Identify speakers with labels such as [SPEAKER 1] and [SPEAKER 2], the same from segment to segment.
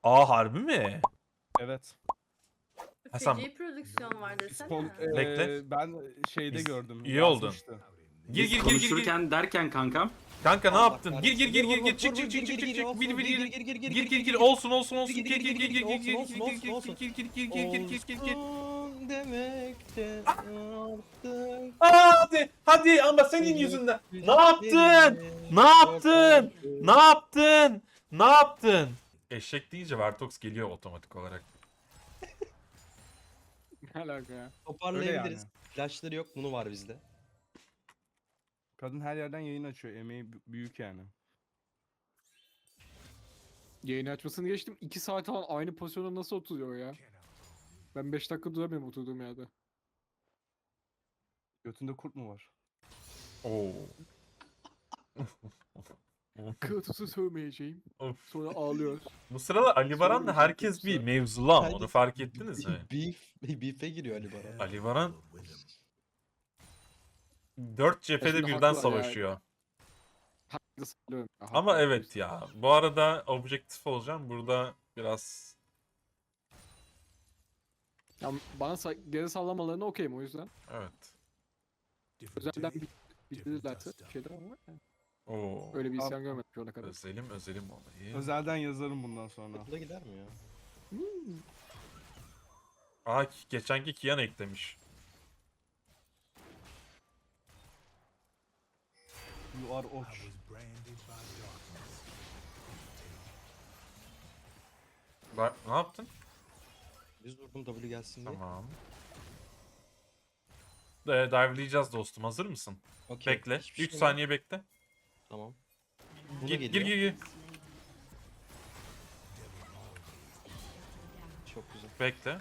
[SPEAKER 1] Aa harbi mi?
[SPEAKER 2] Evet.
[SPEAKER 1] Hasan
[SPEAKER 3] Feci prodüksiyon var desene.
[SPEAKER 1] Bekle.
[SPEAKER 2] Ben şeyde
[SPEAKER 1] Biz-
[SPEAKER 2] gördüm.
[SPEAKER 1] iyi oldun.
[SPEAKER 2] Yazmıştı.
[SPEAKER 1] Gir
[SPEAKER 4] Biz
[SPEAKER 1] gir gir gir gir.
[SPEAKER 4] konuşurken derken kankam.
[SPEAKER 1] Kanka ne
[SPEAKER 5] Allah
[SPEAKER 1] yaptın? Gir gir gir gir gir. Çık çık çık çık çık çık. Bir bir gir. Gir gir gir. Olsun olsun olsun. Gir gir gir gir gir gir gir gir gir gir gir gir gir gir.
[SPEAKER 5] Olsun demekte artık.
[SPEAKER 1] Hadi ama senin yüzünden. Ne yaptın? Ne yaptın? Ne yaptın? Ne yaptın? Eşek deyince Vertox geliyor otomatik olarak.
[SPEAKER 2] Ne alaka ya?
[SPEAKER 5] Toparlayabiliriz.
[SPEAKER 2] yani.
[SPEAKER 5] Flashları yok, bunu var bizde.
[SPEAKER 2] Kadın her yerden yayın açıyor. Emeği büyük yani.
[SPEAKER 6] Yayını açmasını geçtim. 2 saat falan aynı pozisyonda nasıl oturuyor ya? Ben 5 dakika duramıyorum oturduğum yerde.
[SPEAKER 2] Götünde kurt mu var?
[SPEAKER 1] Oo.
[SPEAKER 6] Kırtısı sövmeyeceğim.
[SPEAKER 1] Of.
[SPEAKER 6] Sonra ağlıyor.
[SPEAKER 1] Bu sıralar Ali Baran'la herkes bir mevzulu ama onu fark ettiniz mi?
[SPEAKER 5] Beef'e giriyor Ali Baran.
[SPEAKER 1] Ali Baran 4 cephede
[SPEAKER 6] Aslında
[SPEAKER 1] birden
[SPEAKER 6] haklılar ya.
[SPEAKER 1] savaşıyor.
[SPEAKER 6] Herkese sallıyorum ya,
[SPEAKER 1] Ama
[SPEAKER 6] haklı.
[SPEAKER 1] evet ya. Bu arada objektif olacağım. Burada biraz
[SPEAKER 6] Ya bana geri sallamalarına okeyim o yüzden.
[SPEAKER 1] evet.
[SPEAKER 6] Özelden bildirirlerse şeyler ama yani.
[SPEAKER 1] Oo.
[SPEAKER 6] Öyle bir isyan görmedim şu ana kadar.
[SPEAKER 1] Özelim olayı.
[SPEAKER 2] Özelden yazarım bundan sonra.
[SPEAKER 5] Okula gider mi ya?
[SPEAKER 1] Aa geçenki Kian eklemiş.
[SPEAKER 2] You are oç.
[SPEAKER 1] Bak ne yaptın?
[SPEAKER 5] Biz durdum W gelsin diye.
[SPEAKER 1] Tamam. Dive'layacağız dostum. Hazır mısın?
[SPEAKER 5] Okey.
[SPEAKER 1] Bekle.
[SPEAKER 5] Hiçbir
[SPEAKER 1] 3
[SPEAKER 5] şey
[SPEAKER 1] saniye bekle.
[SPEAKER 5] Tamam. Bu da
[SPEAKER 1] Gir
[SPEAKER 5] geliyor.
[SPEAKER 1] gir.
[SPEAKER 5] Çok güzel.
[SPEAKER 1] Bekle.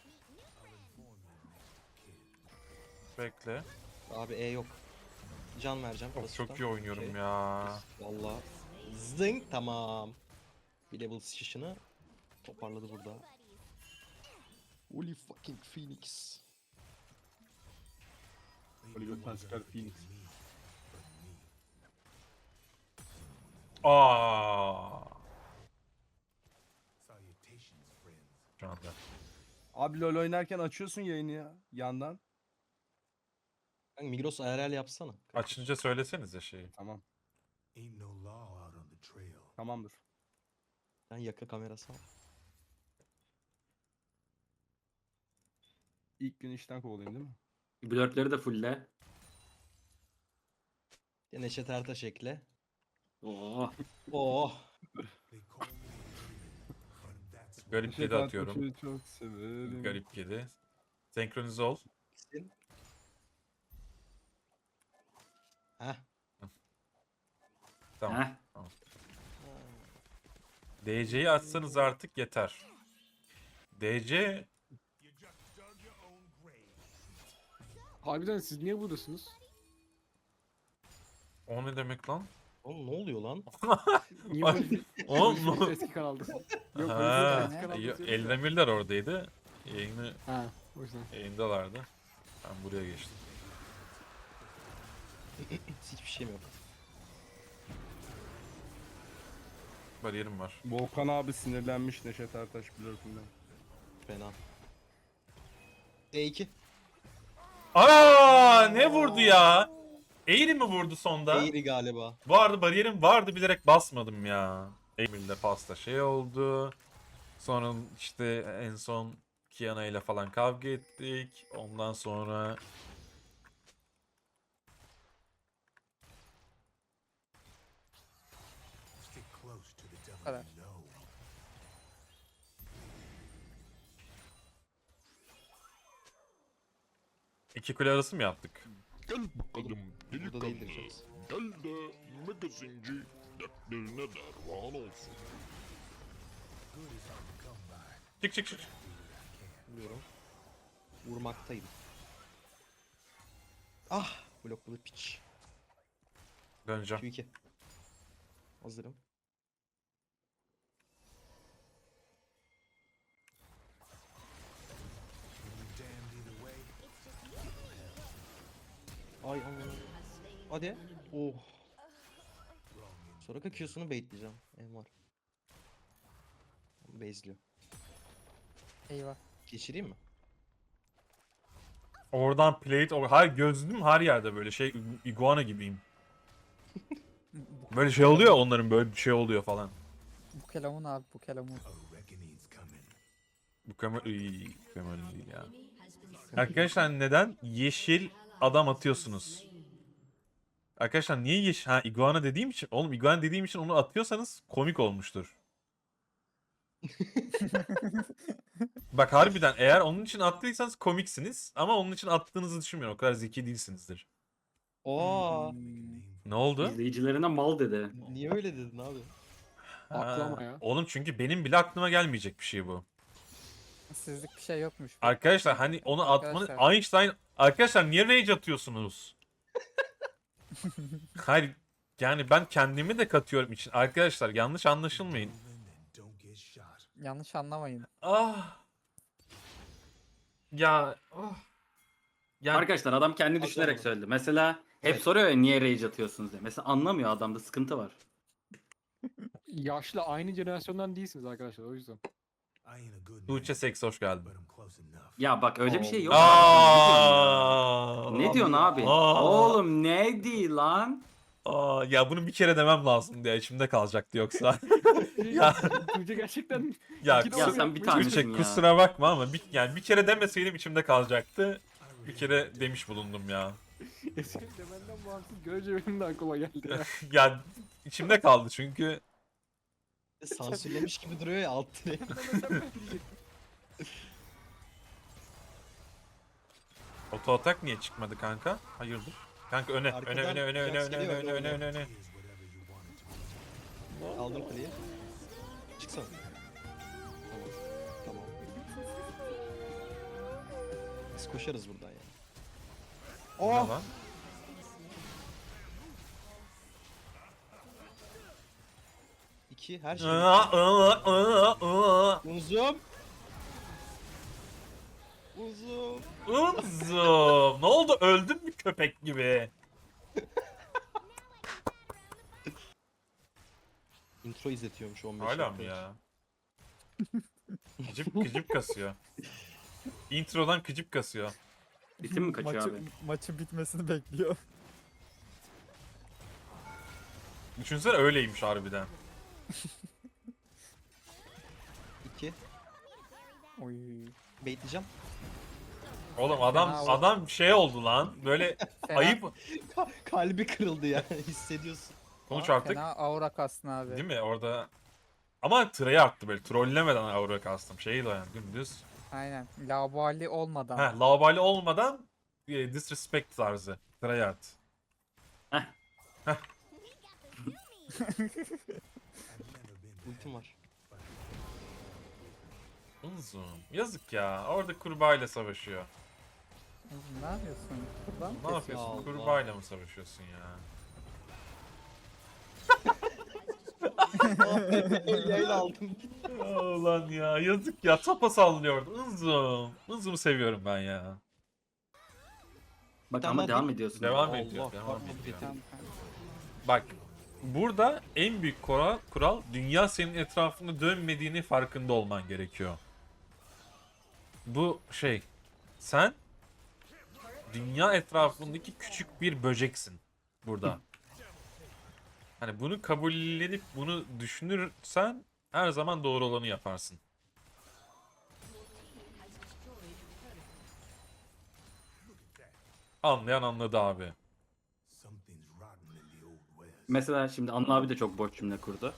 [SPEAKER 1] Bekle.
[SPEAKER 5] Abi E yok. Can vereceğim.
[SPEAKER 1] Of,
[SPEAKER 5] basitten.
[SPEAKER 1] çok iyi oynuyorum
[SPEAKER 5] Okey.
[SPEAKER 1] ya.
[SPEAKER 5] Valla. Zing tamam. Bir level sıçışını toparladı burada. Holy fucking Phoenix.
[SPEAKER 2] Böyle götten çıkar Phoenix.
[SPEAKER 1] Aa. Şu anda.
[SPEAKER 2] Abi LoL oynarken açıyorsun yayını ya. Yandan.
[SPEAKER 5] Kanka Migros IRL yapsana.
[SPEAKER 1] Açınca söylesenize şeyi.
[SPEAKER 2] Tamam. Tamamdır.
[SPEAKER 5] Ben yaka kamerası al.
[SPEAKER 2] İlk gün işten kovulayım değil mi?
[SPEAKER 4] Blurtleri de fullle.
[SPEAKER 5] Neşet Ertaş ekle.
[SPEAKER 4] Oo.
[SPEAKER 5] Oh.
[SPEAKER 1] Garip kedi
[SPEAKER 2] Şeytan
[SPEAKER 1] atıyorum.
[SPEAKER 2] Taş'ı çok severim.
[SPEAKER 1] Garip kedi. Senkronize ol.
[SPEAKER 5] Heh.
[SPEAKER 1] Tamam.
[SPEAKER 4] Heh.
[SPEAKER 1] DC'yi açsanız artık yeter. DC
[SPEAKER 6] Harbiden siz niye buradasınız?
[SPEAKER 1] o ne demek lan?
[SPEAKER 5] Oğlum ne oluyor lan?
[SPEAKER 6] Niye
[SPEAKER 1] Ay,
[SPEAKER 6] böyle
[SPEAKER 1] oğlum
[SPEAKER 6] bir eski kanaldasın? Yok
[SPEAKER 1] Ha,
[SPEAKER 6] böyle bir eski kanaldasın.
[SPEAKER 1] Eldemirler oradaydı.
[SPEAKER 6] Ha, o yüzden.
[SPEAKER 1] Yayındalardı. Ben buraya geçtim.
[SPEAKER 5] Hiçbir şeyim yok.
[SPEAKER 1] Bariyerim var.
[SPEAKER 2] Volkan abi sinirlenmiş Neşet Ertaş blurtinden.
[SPEAKER 5] Fena. E2.
[SPEAKER 1] Aa ne vurdu ya? Eğri mi vurdu sonda?
[SPEAKER 5] Eğri galiba.
[SPEAKER 1] Bu arada bariyerim vardı bilerek basmadım ya. Emir'le pasta şey oldu. Sonra işte en son Kiana ile falan kavga ettik. Ondan sonra
[SPEAKER 6] Evet.
[SPEAKER 1] iki kule arası mı yaptık?
[SPEAKER 7] Gel bakalım
[SPEAKER 5] Burada değildir Jax.
[SPEAKER 7] Gel de magazinci dertlerine derman olsun.
[SPEAKER 1] Çık çık çık.
[SPEAKER 5] Biliyorum. Vurmaktayım. Ah! Blokladı piç.
[SPEAKER 1] Döneceğim.
[SPEAKER 5] Q2. Hazırım. Ay aman. Hadi. Oh. Sonra Q'sunu baitleyeceğim. En var. Bezliyor.
[SPEAKER 8] Eyvah.
[SPEAKER 5] Geçireyim mi?
[SPEAKER 1] Oradan plate, hayır gözlüğüm her yerde böyle şey iguana gibiyim. Böyle şey oluyor onların böyle bir şey oluyor falan.
[SPEAKER 8] Bu kelamun abi bu kelamun.
[SPEAKER 1] Bu kamera iyi kamera değil ya. Arkadaşlar neden yeşil adam atıyorsunuz? Arkadaşlar niye yeşil? Ha iguana dediğim için. Oğlum iguana dediğim için onu atıyorsanız komik olmuştur. Bak harbiden eğer onun için attıysanız komiksiniz ama onun için attığınızı düşünmüyorum. O kadar zeki değilsinizdir.
[SPEAKER 5] Oo.
[SPEAKER 1] Ne oldu?
[SPEAKER 4] İzleyicilerine mal dedi.
[SPEAKER 5] Niye öyle dedin abi?
[SPEAKER 6] Aklama
[SPEAKER 1] Ha,
[SPEAKER 6] ya.
[SPEAKER 1] Oğlum çünkü benim bile aklıma gelmeyecek bir şey bu.
[SPEAKER 8] Sizlik bir şey yokmuş.
[SPEAKER 1] Arkadaşlar hani onu atmanız
[SPEAKER 8] Arkadaşlar.
[SPEAKER 1] Einstein arkadaşlar niye rage atıyorsunuz? Hayır yani ben kendimi de katıyorum için. Arkadaşlar yanlış anlaşılmayın.
[SPEAKER 8] Yanlış anlamayın.
[SPEAKER 1] Ah. Ya oh. Yani
[SPEAKER 4] Arkadaşlar adam kendi düşünerek söyledi. Mesela hep soruyor ya niye rage atıyorsunuz diye. Mesela anlamıyor, adamda sıkıntı var.
[SPEAKER 6] Yaşlı aynı jenerasyondan değilsiniz arkadaşlar o yüzden.
[SPEAKER 1] Tuğçe Seks hoş geldin.
[SPEAKER 4] Ya bak öyle bir şey yok.
[SPEAKER 1] Aa.
[SPEAKER 4] Ne diyorsun abi?
[SPEAKER 1] Aa.
[SPEAKER 4] Oğlum ne değil lan?
[SPEAKER 1] Aa, ya bunu bir kere demem lazım diye içimde kalacaktı yoksa. Ya.
[SPEAKER 6] Tuğçe gerçekten
[SPEAKER 1] Ya,
[SPEAKER 6] İki de
[SPEAKER 4] Ya
[SPEAKER 6] onu
[SPEAKER 4] sen bir
[SPEAKER 6] yapmaya
[SPEAKER 4] tanesin
[SPEAKER 1] Tuğçe
[SPEAKER 4] ya.
[SPEAKER 1] kusura bakma ama yani bir kere demeseydim içimde kalacaktı. Bir kere demiş bulundum ya.
[SPEAKER 6] Senin demenden bağımsız görece benim de aklıma geldi ya.
[SPEAKER 1] Ya içimde kaldı çünkü
[SPEAKER 5] Sansürlemiş gibi duruyor ya alt tire.
[SPEAKER 1] oto atak niye çıkmadı kanka? Hayırdır? Kanka öne
[SPEAKER 5] Arkadan
[SPEAKER 1] öne
[SPEAKER 5] Jax geliyor,
[SPEAKER 1] öne.
[SPEAKER 5] Aldım kuleyi. Çıksana. Tamam. Tamam. Biz koşarız buradan ya.
[SPEAKER 1] Ne lan?
[SPEAKER 5] İki her şey. Uzum. Uzum.
[SPEAKER 1] Uzum. Ne oldu? Öldün mü köpek gibi?
[SPEAKER 5] Intro izletiyormuş 15
[SPEAKER 1] Hala mı
[SPEAKER 5] dakika.
[SPEAKER 1] ya? Kıcıp kasıyor. Introdan kıcıp kasıyor.
[SPEAKER 4] Ritim mi kaçıyor abi?
[SPEAKER 8] Maçın bitmesini bekliyor.
[SPEAKER 1] Düşünsene öyleymiş harbiden.
[SPEAKER 5] 2.
[SPEAKER 8] Oy.
[SPEAKER 5] Baitleyeceğim.
[SPEAKER 1] Oğlum adam şey oldu lan. Böyle
[SPEAKER 8] Fena,
[SPEAKER 1] ayıp.
[SPEAKER 5] Kalbi kırıldı ya hissediyorsun.
[SPEAKER 1] Konuş artık.
[SPEAKER 8] Fena aura kastın abi.
[SPEAKER 1] Değil mi? Orada ama tırayı attı böyle. Trollemeden aura kastım. Şeydi o yani dümdüz.
[SPEAKER 8] Aynen. Labali olmadan.
[SPEAKER 1] Heh, lavabali olmadan disrespect tarzı. Tırayı at.
[SPEAKER 5] Ultim var.
[SPEAKER 1] Uzun. Yazık ya. Orada kurbağayla savaşıyor.
[SPEAKER 8] Ne yapıyorsun? Buradan mı
[SPEAKER 1] Ne
[SPEAKER 8] kesiyorsun?
[SPEAKER 1] yapıyorsun?
[SPEAKER 5] Allah.
[SPEAKER 1] Kurbağayla mı savaşıyorsun ya?
[SPEAKER 5] Yayla aldım.
[SPEAKER 1] Ulan ya yazık ya. Topa sallıyordu. Uzun. Uzun'u seviyorum ben ya.
[SPEAKER 4] Bak
[SPEAKER 5] Tamam,
[SPEAKER 4] ama
[SPEAKER 5] hadi.
[SPEAKER 4] devam ediyorsun.
[SPEAKER 1] Devam
[SPEAKER 5] Allah,
[SPEAKER 1] ediyor. Devam
[SPEAKER 5] kahretsin.
[SPEAKER 1] ediyor.
[SPEAKER 8] Tamam, tamam.
[SPEAKER 1] Bak burada en büyük kural dünya senin etrafında dönmediğini farkında olman gerekiyor. Bu şey sen dünya etrafındaki küçük bir böceksin burada. Hani bunu kabullenip bunu düşünürsen her zaman doğru olanı yaparsın. Anlayan anladı abi.
[SPEAKER 4] Mesela şimdi Anıl abi de çok boş cümle kurdu.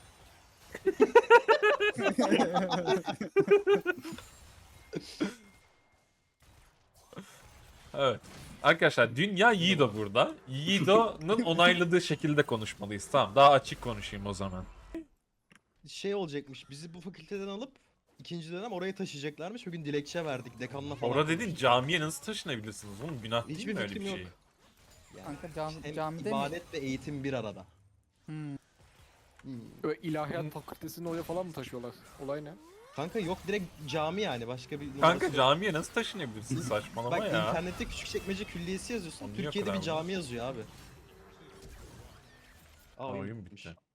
[SPEAKER 1] Evet. Arkadaşlar dünya Yiğido burada. Yiğido'nun onayladığı şekilde konuşmalıyız. Tamam daha açık konuşayım o zaman.
[SPEAKER 5] Şey olacakmış. Bizi bu fakülteden alıp ikinci dönem oraya taşıyacaklarmış. Bugün dilekçe verdik dekanla falan.
[SPEAKER 1] Orada dedin
[SPEAKER 5] konuştuk.
[SPEAKER 1] camiye nasıl taşınabilirsiniz? Oğlum günah değil
[SPEAKER 5] Hiçbir
[SPEAKER 1] mi öyle bir
[SPEAKER 5] fikrim
[SPEAKER 1] şey?
[SPEAKER 5] yok. Yani
[SPEAKER 8] Kanka
[SPEAKER 5] hem
[SPEAKER 8] camide mi?
[SPEAKER 5] ibadet ve eğitim bir arada.
[SPEAKER 8] Hmm.
[SPEAKER 6] Böyle ilahiyat fakültesini oraya falan mı taşıyorlar? Olay ne?
[SPEAKER 5] Kanka yok direkt cami yani başka bir numarası
[SPEAKER 1] Kanka
[SPEAKER 5] yok.
[SPEAKER 1] camiye nasıl taşınabilirsin saçmalama
[SPEAKER 5] Bak
[SPEAKER 1] ya.
[SPEAKER 5] internette Küçükçekmece Külliyesi yazıyorsun.
[SPEAKER 1] Onun niye o
[SPEAKER 5] Türkiye'de
[SPEAKER 1] kadar
[SPEAKER 5] bir cami yazıyor abi. Aa,
[SPEAKER 1] Oyun
[SPEAKER 5] bitmiş.
[SPEAKER 1] bitti.